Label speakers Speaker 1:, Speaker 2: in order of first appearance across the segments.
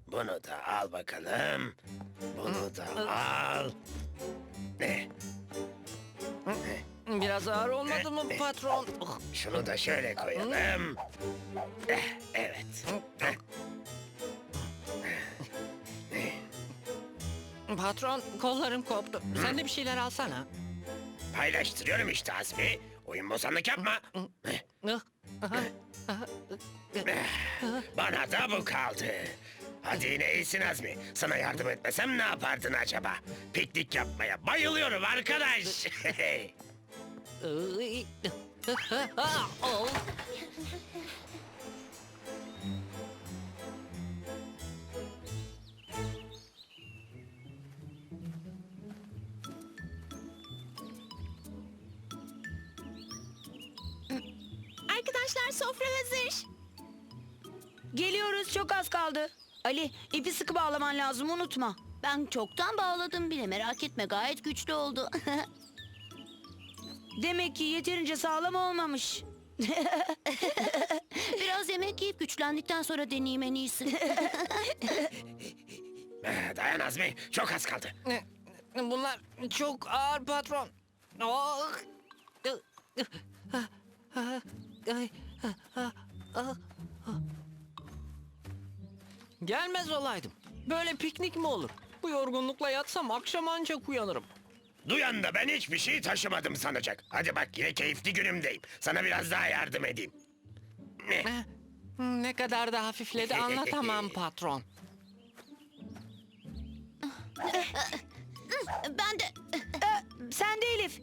Speaker 1: Bunu da al bakalım. Bunu da al. Ne?
Speaker 2: Biraz ağır olmadı mı patron?
Speaker 1: Şunu da şöyle koyalım. Evet.
Speaker 2: Patron, kollarım koptu. Sen de bir şeyler alsana.
Speaker 1: Paylaştırıyorum işte Azmi. Oyun bozanlık yapma. Bana da bu kaldı. Hadi yine iyisin Azmi. Sana yardım etmesem ne yapardın acaba? Piknik yapmaya bayılıyorum arkadaş.
Speaker 3: Arkadaşlar sofra hazır.
Speaker 4: Geliyoruz, çok az kaldı. Ali, ipi sıkı bağlaman lazım, unutma.
Speaker 3: Ben çoktan bağladım bile, merak etme, gayet güçlü oldu.
Speaker 4: Demek ki yeterince sağlam olmamış.
Speaker 3: Biraz yemek yiyip güçlendikten sonra deneyeyim en iyisi.
Speaker 1: Dayan Azmi. Çok az kaldı.
Speaker 2: Bunlar çok ağır patron. Gelmez olaydım. Böyle piknik mi olur? Bu yorgunlukla yatsam akşam ancak uyanırım.
Speaker 1: Duyan da ben hiçbir şey taşımadım sanacak. Hadi bak yine keyifli günümdeyim. Sana biraz daha yardım edeyim.
Speaker 2: Ne kadar da hafifledi anlatamam patron.
Speaker 3: Ben de...
Speaker 4: Sen de Elif.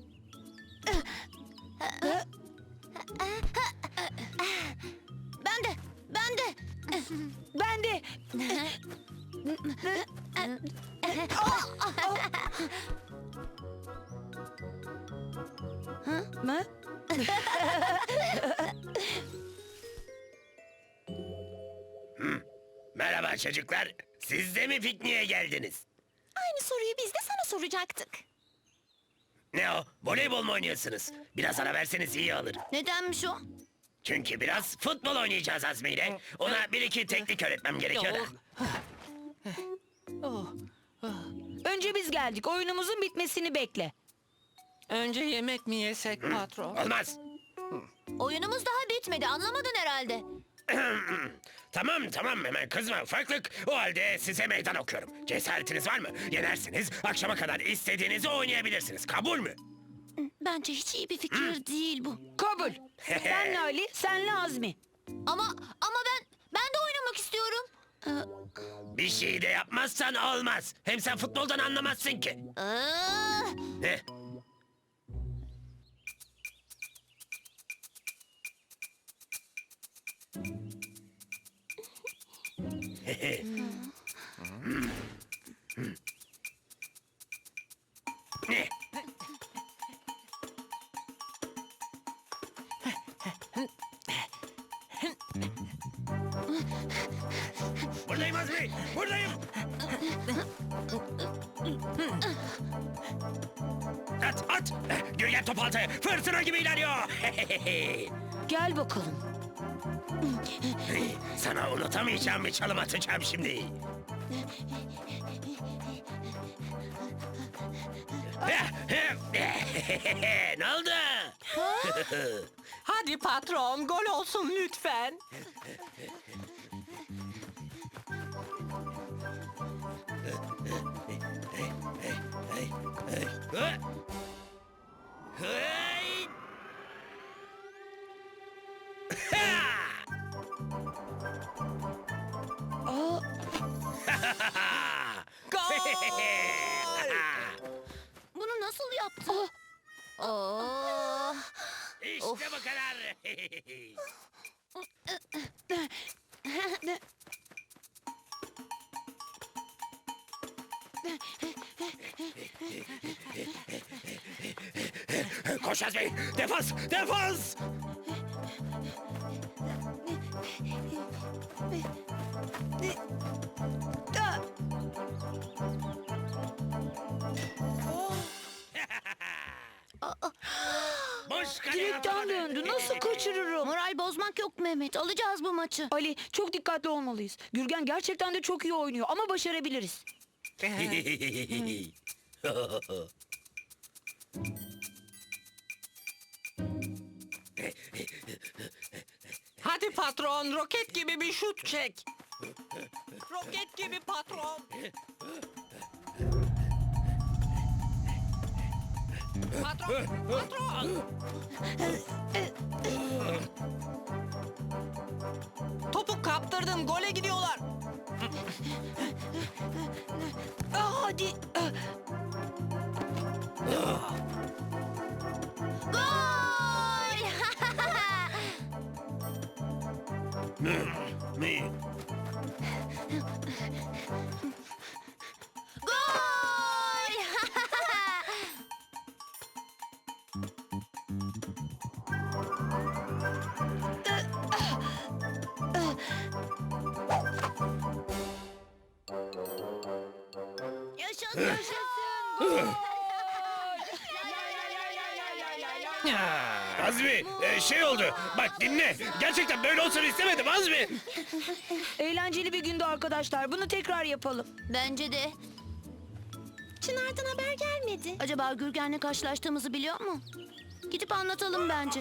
Speaker 3: Ben de... Ben de...
Speaker 4: Ben de. Mı?
Speaker 1: Merhaba çocuklar. Siz de mi pikniğe geldiniz?
Speaker 3: Aynı soruyu biz de sana soracaktık.
Speaker 1: Ne o? Voleybol mu oynuyorsunuz? Biraz ara verseniz iyi olur.
Speaker 3: Nedenmiş o?
Speaker 1: Çünkü biraz futbol oynayacağız Azmi ile. Ona bir iki teknik öğretmem gerekiyor da.
Speaker 2: Oh.
Speaker 4: Önce biz geldik. Oyunumuzun bitmesini bekle.
Speaker 2: Önce yemek mi yesek patron?
Speaker 1: Olmaz.
Speaker 3: Oyunumuz daha bitmedi, anlamadın herhalde.
Speaker 1: Tamam hemen kızma ufaklık. O halde size meydan okuyorum. Cesaretiniz var mı? Yenersiniz. Akşama kadar istediğinizi oynayabilirsiniz. Kabul mü?
Speaker 3: Bence hiç iyi bir fikir değil bu.
Speaker 4: Kabul. Senle Ali, senle Azmi.
Speaker 3: Ama ben de oynamak istiyorum.
Speaker 1: Bir şey de yapmazsan olmaz. Hem sen futboldan anlamazsın ki. Ne? Ne? Buradayım Azmi, buradayım. At. Gölgen top altı, fırtına gibi ilerliyor.
Speaker 4: Gel bakalım.
Speaker 1: Sana unutamayacağım bir çalım atacağım şimdi. Ne oldu?
Speaker 2: Hadi patron, gol olsun lütfen.
Speaker 1: Hey!
Speaker 4: Aa,
Speaker 3: Bunu nasıl yaptın? Oh.
Speaker 1: İşte bu kadar. Koş Azmi, defans! Boş
Speaker 4: Direkten döndü. Nasıl kaçırırım?
Speaker 3: Moral bozmak yok Mehmet. Alacağız bu maçı.
Speaker 4: Ali çok dikkatli olmalıyız. Gürgen gerçekten de çok iyi oynuyor ama başarabiliriz.
Speaker 2: Hadi patron, roket gibi bir şut çek. Roket gibi patron. Patron. Topu kaptırdın, gole gidiyorlar.
Speaker 4: Hadi.
Speaker 3: Gol!
Speaker 1: Mi?
Speaker 3: Gol! Yaşasın, yaşasın.
Speaker 1: Azmi, şey oldu. Bak dinle. Gerçekten böyle olsun istemedim Azmi.
Speaker 4: Eğlenceli bir gündü arkadaşlar. Bunu tekrar yapalım.
Speaker 3: Bence de. Çınar'dan haber gelmedi. Acaba Gürgen'le karşılaştığımızı biliyor mu? Gidip anlatalım bence.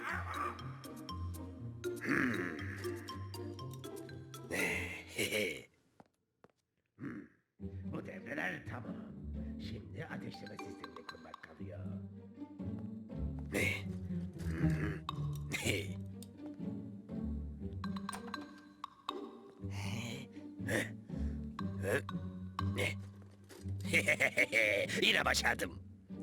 Speaker 1: Bu devreler tamam. Şimdi ateşleme sistemini kurmak kalıyor. Yine başardım.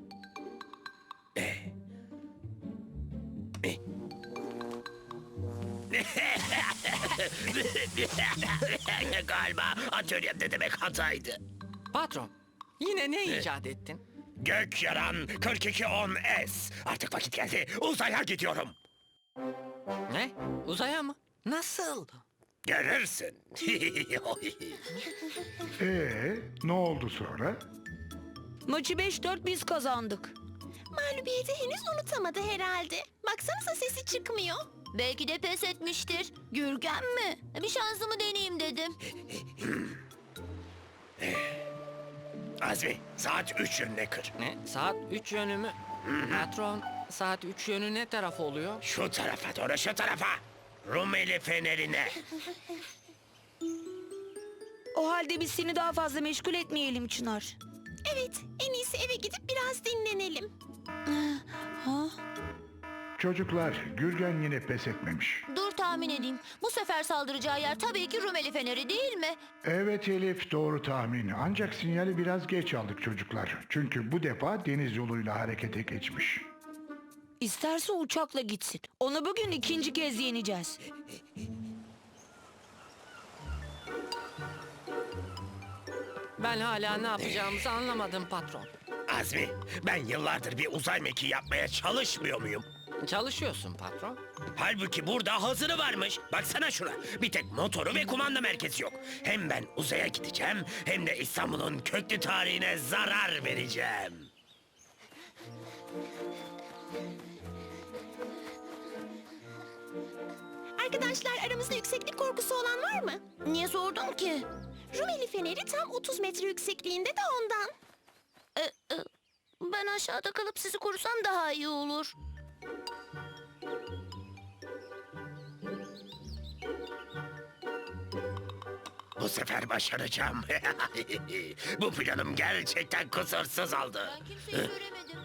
Speaker 1: Galiba atölyemde demek hataydı.
Speaker 2: Patron, yine ne icat ettin?
Speaker 1: Gök yaran 4210S. Artık vakit geldi. Uzaya gidiyorum.
Speaker 2: Ne? Uzaya mı? Nasıl?
Speaker 1: Görürsün.
Speaker 5: Ne oldu sonra?
Speaker 4: Maçı 5-4 biz kazandık.
Speaker 6: Mağlubiyeti henüz unutamadı herhalde. Baksanıza sesi çıkmıyor.
Speaker 3: Belki de pes etmiştir. Gürgen mi? Bir şansımı deneyeyim dedim.
Speaker 1: Azmi, saat 3 yönüne kır.
Speaker 2: Ne? Saat 3 yönü mü? Patron, saat 3 yönü ne taraf oluyor?
Speaker 1: Şu tarafa doğru, şu tarafa. Rumeli fenerine.
Speaker 4: O halde biz seni daha fazla meşgul etmeyelim Çınar.
Speaker 6: Evet, en iyisi eve gidip biraz dinlenelim.
Speaker 4: Ha?
Speaker 5: Çocuklar, Gürgen yine pes etmemiş.
Speaker 3: Dur tahmin edeyim. Bu sefer saldıracağı yer tabii ki Rumeli Feneri değil mi?
Speaker 5: Evet Elif, doğru tahmin. Ancak sinyali biraz geç aldık çocuklar. Çünkü bu defa deniz yoluyla harekete geçmiş.
Speaker 4: İsterse uçakla gitsin. Onu bugün ikinci kez yeneceğiz.
Speaker 2: Ben hala ne yapacağımızı anlamadım patron.
Speaker 1: Azmi, ben yıllardır bir uzay mekiği yapmaya çalışmıyor muyum?
Speaker 2: Çalışıyorsun patron.
Speaker 1: Halbuki burada hazırı varmış. Baksana şuna. Bir tek motoru ve kumanda merkezi yok. Hem ben uzaya gideceğim hem de İstanbul'un köklü tarihine zarar vereceğim.
Speaker 6: Arkadaşlar aramızda yükseklik korkusu olan var mı?
Speaker 3: Niye sordun ki?
Speaker 6: Rumeli Feneri tam 30 metre yüksekliğinde de ondan.
Speaker 3: Ben aşağıda kalıp sizi korusam daha iyi olur.
Speaker 1: Bu sefer başaracağım. Bu planım gerçekten kusursuz oldu.
Speaker 3: Ben kimseyi göremedim.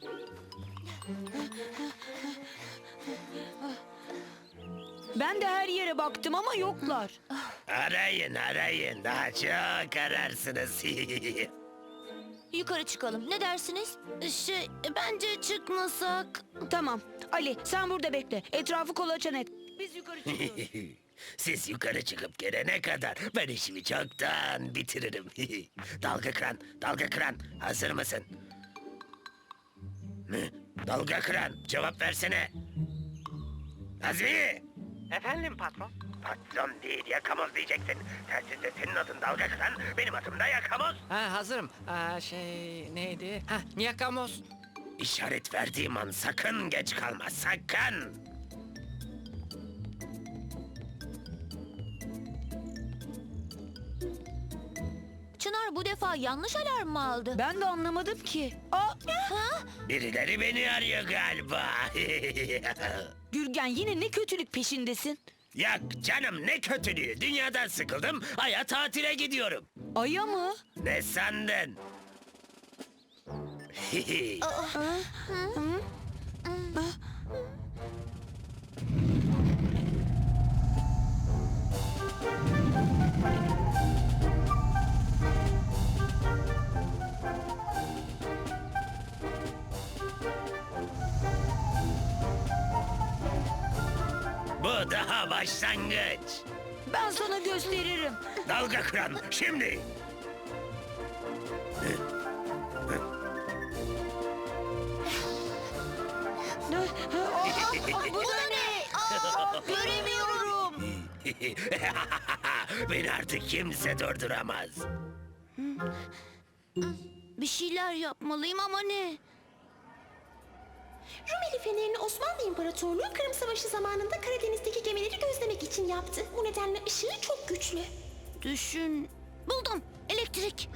Speaker 4: Ben de her yere baktım ama yoklar.
Speaker 1: Arayın arayın. Daha çok ararsınız.
Speaker 3: Yukarı çıkalım. Ne dersiniz? Bence çıkmasak.
Speaker 4: Tamam. Ali sen burada bekle. Etrafı kolaçan et. Biz yukarı çıkıyoruz.
Speaker 1: Siz yukarı çıkıp gelene kadar ben işimi çoktan bitiririm. Dalga kıran, dalga kıran. Hazır mısın? Dalga kıran, cevap versene. Azmi!
Speaker 2: Efendim patron?
Speaker 1: Patron değil, yakamoz diyeceksin. Tersinde senin adın dalga kıran, benim adım da yakamoz.
Speaker 2: Ha hazırım. Neydi? Ha Yakamoz.
Speaker 1: İşaret verdiğim an sakın geç kalma, sakın.
Speaker 3: Çınar bu defa yanlış alarm mı aldı?
Speaker 4: Ben de anlamadım ki. Aa,
Speaker 1: Birileri beni arıyor galiba.
Speaker 4: Gürgen yine ne kötülük peşindesin?
Speaker 1: Yak canım, ne kötülüğü. Dünyadan sıkıldım, Ay'a tatile gidiyorum.
Speaker 4: Aya mı?
Speaker 1: Ne sandın? Bu daha başlangıç.
Speaker 4: Ben sana gösteririm.
Speaker 1: Dalga kıran şimdi.
Speaker 3: Bu da ne? Göremiyorum.
Speaker 1: Beni artık kimse durduramaz.
Speaker 3: Bir şeyler yapmalıyım ama ne?
Speaker 6: Rumeli fenerini Osmanlı İmparatorluğu Kırım Savaşı zamanında Karadeniz'deki gemileri gözlemek için yaptı. Bu nedenle ışığı çok güçlü.
Speaker 3: Düşün. Buldum. Elektrik.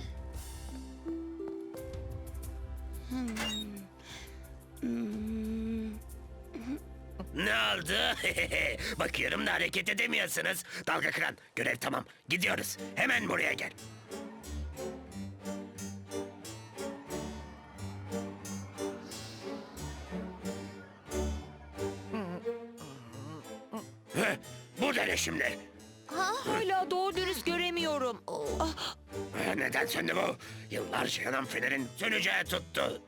Speaker 1: Ne oldu? Bakıyorum da hareket edemiyorsunuz. Dalga kıran, görev tamam. Gidiyoruz. Hemen buraya gel. Heh, bu da ne şimdi?
Speaker 4: Hala doğru dürüst göremiyorum.
Speaker 1: Neden söndü bu? Yıllarca yanan fenerin söneceği tuttu.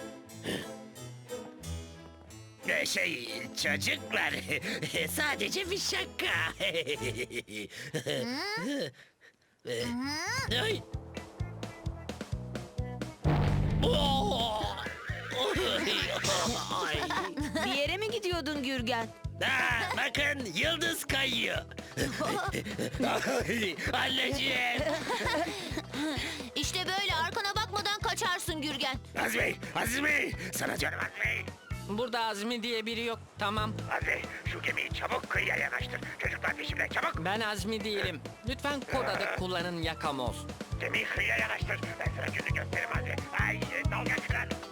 Speaker 1: Çocuklar, sadece bir şaka. Ay. Oo! Ay.
Speaker 4: Bir yere mi gidiyordun Gürgen?
Speaker 1: Bakın, yıldız kayıyor. Ay, anneciğim.
Speaker 3: İşte böyle arkana bakmadan kaçarsın Gürgen.
Speaker 1: Azmi, Azmi. Sana diyorum Azmi.
Speaker 2: Burada Azmi diye biri yok. Tamam.
Speaker 1: Azmi, şu gemiyi çabuk kıyıya yanaştır. Çocuklar peşimde, çabuk.
Speaker 2: Ben Azmi değilim. Lütfen kod adı kullanın yakamoz.
Speaker 1: Gemiyi kıyıya yanaştır. Ben sana günü gösteririm Azmi. Ay, dalga kıran.